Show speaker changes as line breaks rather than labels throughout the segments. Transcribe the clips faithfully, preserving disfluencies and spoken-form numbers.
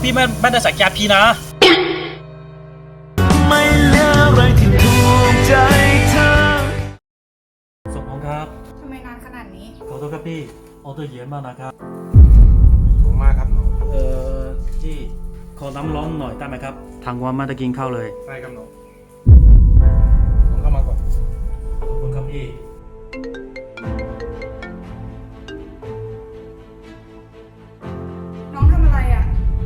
พี่ไม่ไม่ได้สักยาพี่นะ
ไม่เหลืออะไรที่ถูกใจเธอ
ส่งของครับ
ทำไมนานขนาดนี้
ขอโทษครับพี่ออเดอร์เยอะมากนะครับ
ถูกมากครับน้อง
เออพี่ขอน้ำร้อนหน่อยได้ไหมครับทางวันไม่ได้กินข้าวเลย
ได้ครับน้องน้องเข้ามาก่อน
ขอบคุณครับพี่
น้องทำอะไรอ่ะ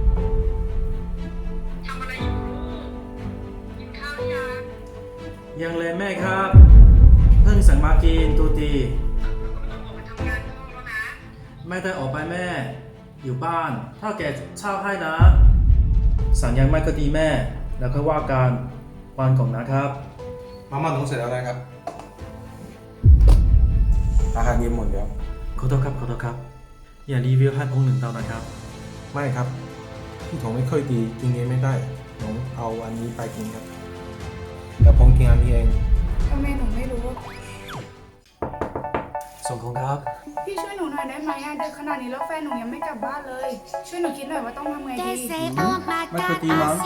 ทำอะไรอยู่กินข้าวยัง
ยังเลยแม่ครับเพิ่งสั่งมากินตูตี
ต้องออกไปทำงานข้างนอกแล้วนะ
ไม่ได้ออกไปแม่อยู่บ้านถ้าแกเช่าให้นะสั่งยังไม่ก็ดีแม่แล้วก็ว่าการวันก่อนนะครับ
มาม่าน้องเสร็จแล้วนะครับอาหารเย็นหมดแล้ว
ขอโทษครับขอโทษครับอย่ารีวิวให้พงหนึ่งเตานะครับ
ไม่ครับพี่ถงไม่ค่อยดีกินเองไม่ได้น้องเอาอันนี้ไปกินครับแต่พงกินอันนี้เอง
ทำไมหนูไม่รู้
ส่งของครับ
พี่ช่วยหนูหน่อยได้ไหมอะดึกขนาดนี้แล้วแฟนหนูยังไม่กลับบ้านเลยช่วยหนูคิดหน่อยว่าต้องทำไงดี
ไม่เคยตีมั้ง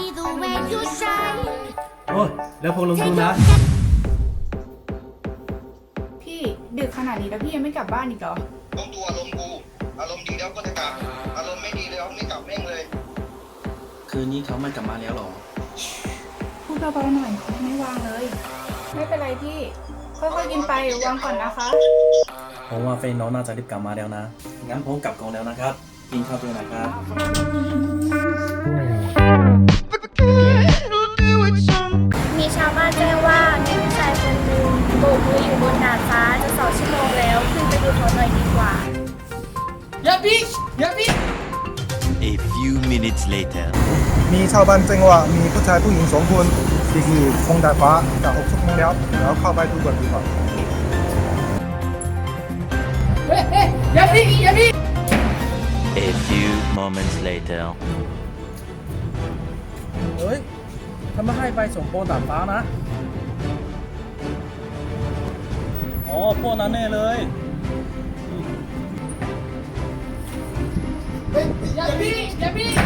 โอ้ยแล้วพงลงทุนนะ
พี่ดึกขนาดนี้แล้วพี่ยังไม่กลับบ้านอีกเหรอ
ต้องดูอารมณ์กูอารมณ์ดีแล้วก็จะกลับอารมณ์ไม่ดีแล้วไม่กลับแม่งเลย
คืนนี้เขาไม่กลับมาแล้วหรอ
พูดเบาๆหน่อยเขาไม่วางเลยไม่เป็นไรพี่ค่อยๆกินไปวางก่อนนะคะ
ผมว่าเฟนน้องน่าจะรีบกลับมาแล้วนะงั้นผมกลับก่อนแล้วนะครับกินข้าวด้วยนะครับ
มีชาวบ้านแจ้งว่ามีผู้ชายคนหนึ่งโบกมืออยู่บนดาดฟ้าจะสองชั่วโมงแล้วขึ้นไปดูเขาหน่อยดีกว่า
อย่าพี่อย่าพี่
A few minutes later
มีชาวบ้านแจ้งว่ามีผู้ชายผู้หญิงสองคนที่คือคงดาดฟ้าจะหกชั่วโมงแล้วแล้วเข้าไปดูก่อนดีกว่า
เฮ้ยเฮ้ยอย่าพี่อย่าพี่
A few moments later
เฮ้ยถ้าไม่ให้ไปส่งโปนดาดฟ้านะอ๋อพวกนั้นแน่เลย
อย่าพี่อย่าพี่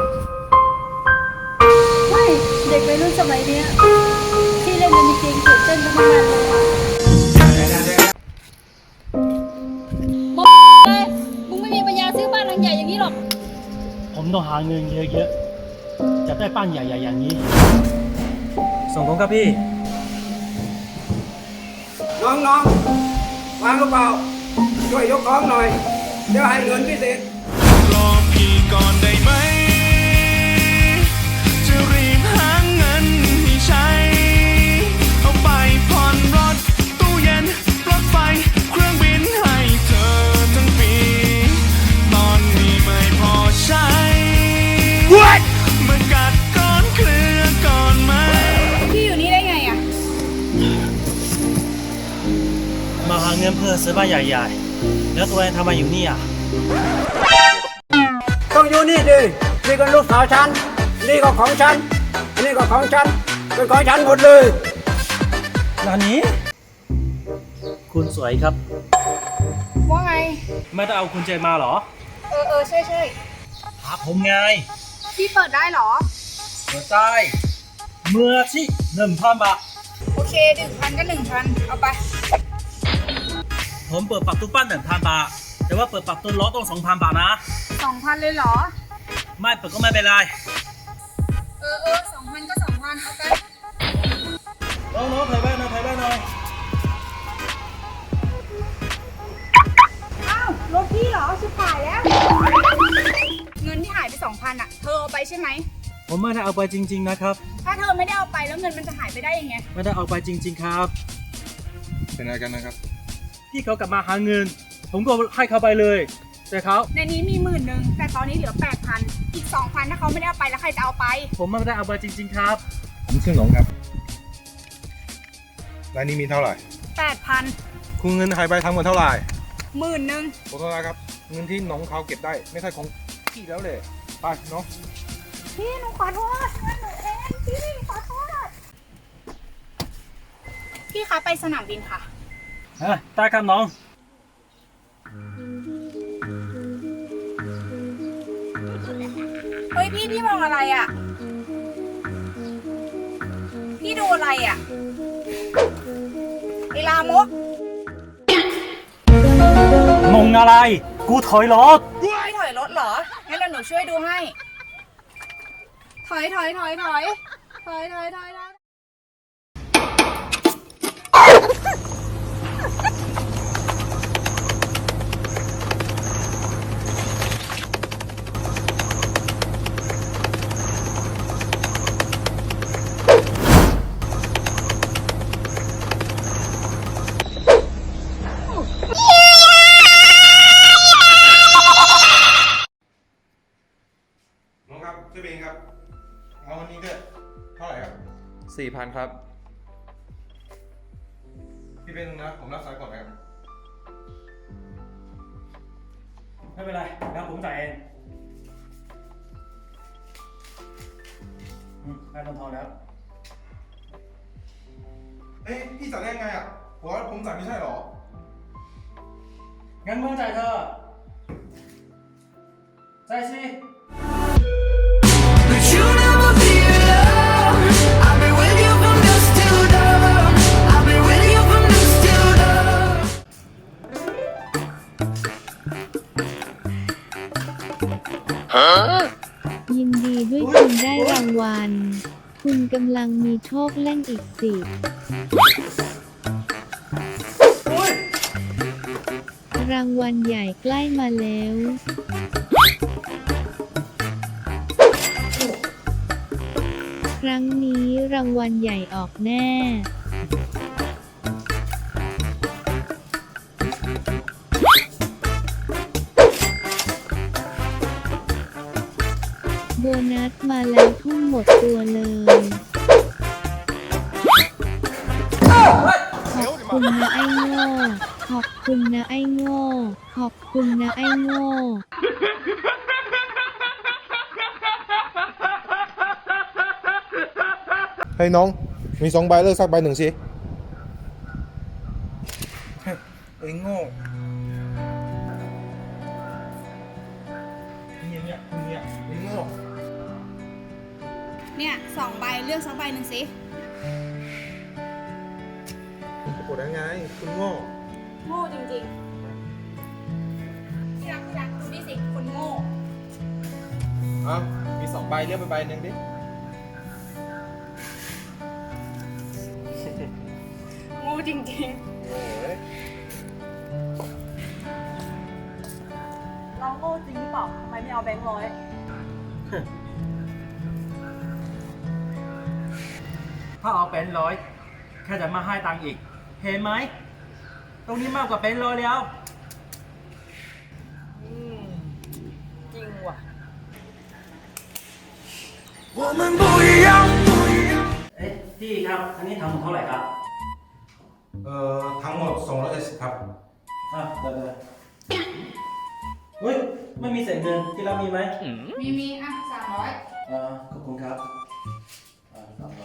ไม่เด็กวัยรุ่นสมัยนี้ที่เล่นกันจริงๆตื่นเต้นกันมากเลย
บอกเลยมึงไม่มีปัญญาซื้อบ้านหลังใหญ่อย่างนี้หรอก
ผมต้องหาเงินเยอะๆจะได้บ้านใหญ่ๆอย่างนี้ส่งของครับพี่
น้องๆวางกระเป๋าช่วยยกของหน่อยเดี๋ยวให้เงินพิเศษ
รอพี่ก่อนได้ไหมจะรีบหาเงินให้ใช้เอาไปผ่อนรถตู้เย็นรถไฟเครื่องบินให้เธอทั้งปีตอนนี้ไม่พอใช้ What มากัดก้อนเคลือก่อนไหม
พี่อยู่นี่ได้ไงอะ
มาหาเงินเพื่อซื้อบ้านใหญ่ๆแล้วตัวเองทำไมอยู่นี่อ่ะ
ต้องอยู่นี่ดินี่ก็ลูกสาวฉันนี่ก็ของฉันนี่ก็ของฉันเป็นของฉันหมดเลย
ร้านนี้คุณสวยครับ
ว่าไง
ไม่ได้เอาคุณเจมาเหรอ
เออเออใช่ใช่
หาผมไง
พี่เปิดได้เหรอ
เปิดได้เมื่อที่หนึ่งพันบาท
โอเคหนึ่งพันก็หนึ่งพันเอาไป
ผมเปิดปรับตู้ปั้นหนึ่งพันบาทแต่ว่าเปิดปรับตู้ล้อต้องสองพันบาทนะ
สองพันเลยเหรอ
ไม่เปิดก็ไม่เป็นไร
เออเออสองพันก็สองพันเอาไป
น้องน้องถ่ายบ้านหน่อยถ่ายบ้านหน่อย
อ้าวรถพี่เหรอชิบหายแล้วเงินที่หายไปสองพันอ่ะเธอเอาไปใช่ไหม
ผมไม่ได้เอาไปจริงๆนะครับ
ถ้าเธอไม่ได้เอาไปแล้วเงินมันจะหายไปได้ยังไง
ไม่ได้เอาไปจริงๆครับ
เป็นอะไรกันนะครับ
พี่เขากลับมาหาเงินผมก็ให้เขาไปเลยแต่เขา
ในนี้มีหมื่นหนึ่งแต่ตอนนี้เหลือแปดพันอีกสองพันถ้าเขาไม่ได้เอาไปแล้วใครจะเอาไป
ผมไม่ได้เอาไปจริงๆครับ
ผมชื่อหลงครับรายนี้มีเท่าไหร่
แปดพัน
คุณเงินหายไปทั้งหมดเท่าไหร่
หมื่นหนึ่ง
ขอโทษนะครับเงินที่น้องเขาเก็บได้ไม่ใช่ของพี่แล้วเลยไปน้อง
พี่หนูขอโทษหนูเองพี่ขอโทษพี่คะไปสนามบินค่ะ
อ่ะได้ครับน้อง
เฮ้ยพี่พี่มาองอะไรอ่ะ พี่ดูอะไรอ่ะไอลามก
งงอะไร กูถอยรถ
พี่ถอยรถเหรอ งั้นเดี๋ยวหนูช่วยดูให้ ถอยถอยถอยถอยถอยถอยถอยถอย
น้องครับช่วยเองครับ เอาวันนี้ด้วยเท่าไหร่ครับ
สี่พันครับ
พี่เป็นนะ ผมรับสายก่อนนะครับ
ไม่เป็นไรแล้วผมจ่ายเองอืมได้คนทองแล้ว
เอ้ยพี่สั่งได้ไงอ่ะผมว่าผมสั่งไม่ใช่หรอ
งั้นมึงจ่ายเธอจ่ายสิ
But you never be alone. I'll be with you from dusk till dawn. I'll be with you from dusk till dawn.
ยินดีด้วยคุณได้รางวัล คุณกำลังมีโชคเล่นอีกสิบรางวัลใหญ่ใกล้มาแล้ว ครั้งนี้รางวัลใหญ่ออกแน่ โบนัสมาแล้วทุ่มหมดตัวเลย ขอบคุณนะไอ้โง่ ขอบคุณนะไอ้โง่ ขอบคุณนะไอ้โง่
เฮ้ยน้อง มีสองใบเลือกสักใบหนึ่งสิ เอ็งโง่เนี่ยเนี่ยเนี่ยเอ็งโง่
เนี่ยสองใบเลือกสักใบหนึ่งสิ
จะกดได้ไง คุณโง่
โง่จริงๆที่รักที่รักดูนี่สิคนโง่
เอ้ามีสองใบเลือกไปใบหนึ่งดิ
โง่จริง
โอ้ย
ๆน้องโง่จริงหรือเปล่าทำไมไม่เอาแบงค์ร้อย
ถ้าเอาเป็นร้อยแค่จะมาให้ตังค์อีก เห็นไหม ตรงนี้มากกว่าเป็นร้อยแล้ว
จริงว่ะ
我们不一样，不一样。
เอ๊ะพี่ครับ อันนี้ทำหมดเท่าไหร่ครับ
เอ่อ ทั้งหมดสองร้อยเจ็ดสิบครับ
อ่ะเดี๋ยวเดี๋ยวเฮ้ย ไม่มีเศษเงินที่เรามีไหม
มีมีอ่ะสามร้อย
อ่าขอบคุณครับอ่าสามร้อย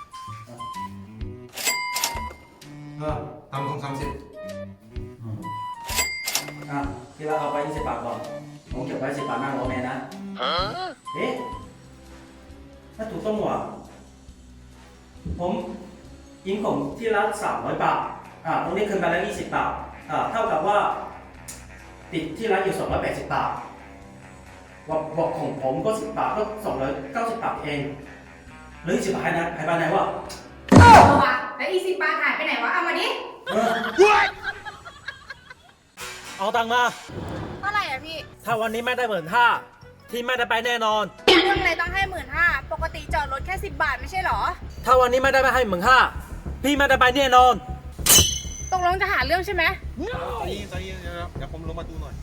เออทำสองสามสิบ
อืมอ่ะที่เราเอาไปยี่สิบบาทก่อนผมเก็บไว้สิบบาทนั่งรอแม่นะเอ๊ะถ้าถูกต้องว่ะผมยิงผมที่ร้านสามร้อยบาทอ่าตรงนี้คืนไปแล้วยี่สิบบาทอ่าเท่ากับว่า ติดที่ร้านอยู่สองร้อยแปดสิบบาทบอกบอกของผมก็สิบบาทก็สองร้อยเก้าสิบบาทเองเหลือสิบบาทนะหายไปไหนวะ
เอาวะแล้วอีสิบบาทหายไปไหนวะ เอามาดิ
เออเอาตังค์มา
เท่าไหร่อ่ะพี่
ถ้าวันนี้ไม่ได้หมื่นห้าที่ไม่ได้ไปแน่นอน
เรื่องอะไรต้องให้หมื่นห้าปกติจอดรถแค่สิบบาทไม่ใช่เหรอ
ถ้าวันนี้ไม่ได้ไปให้หมื่นห้าพี่ไม่ได้ไปแน่นอน
ตกลงจะหาเรื่องใช่ไหม
ใจเย็นใจเย็นเดี๋ยวเดี๋ยวผมลงมาดูหน่อย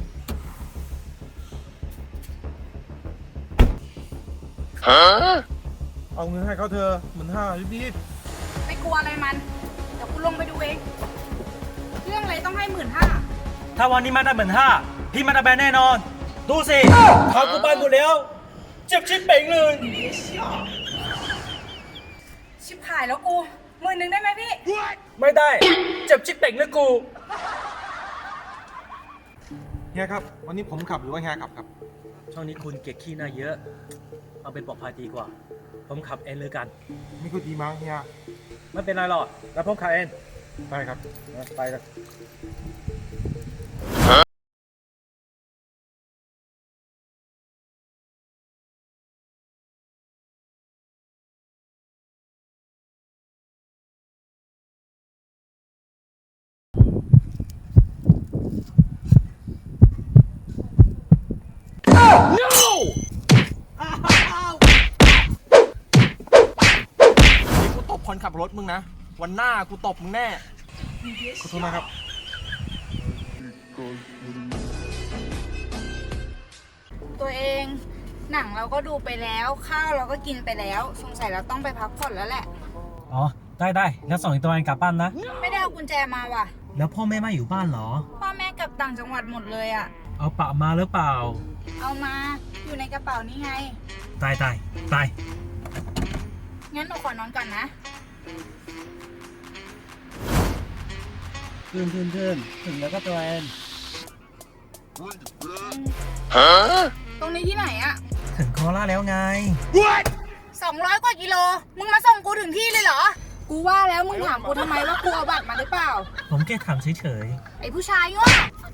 เอาเงินให้เขาเธอหมื่นห้ารีบ
ไม่กลัวอะไรมัน เดี๋ยวกูลงไปดูเอง เรื่องอะไรต้องให้หมื่นห้า
ถ้าวันนี้ไม่ได้หมื่นห้าพี่ไม่ได้ไปแน่นอน ดูสิขากูไปหมดแล้วเจ็บชิบเป่งเลย
ชิบหายแล้วกูหมื่นหนึ่งได้ไหมพี่
ไม่ได้เจ็บชิบเป่งเลยกู
ๆเฮียครับ วันนี้ผมขับหรือว่าเฮียขับครับ
ช่วงนี้คุณเก็บขี้หน้าเยอะ เอาเป็นปลอดภัยดีกว่า ผมขับเองเลยกัน
ไม่ก็ดีมั้งเฮีย
ไม่เป็นไรหรอกแล้วผมขับเอง
ได้ครับ
ไปเลย
กูตบคนขับรถมึงนะ วันหน้ากูตบมึงแน่
ขอโทษนะครับ
ตัวเองหนังเราก็ดูไปแล้ว ข้าวเราก็กินไปแล้ว สงสัยเราต้องไปพักผ่อนแล้วแหละ
อ๋อ ได้ได้แล้วส่งอีกตัวเองกลับบ้านนะ
ไม่ได้เอากุญแจมาว่ะ
แล้วพ่อแม่ไม่อยู่บ้านเหรอ
พ่อแม่กลับต่างจังหวัดหมดเลยอ่ะ
เอาปะมาหรือเปล่า
เอามาอยู่ในกระเป๋านี่ไง
ตายตายตาย
งั้นหนูขอนอนก่อนนะ
ขึ้นขึ้นขึ้นถึงแล้วก็ตัวเอง
ตรงนี้ที่ไหนอะ
ถึงโคราชแล้วไง
สองร้อยกว่ากิโล มึงมาส่งกูถึงที่เลยเหรอ กูว่าแล้วมึงถามกูทำไมว่ากูเอาบัตรมาหรือเปล่า
ผมแค่ถามเฉย
ไอ้ผู้ชายโง่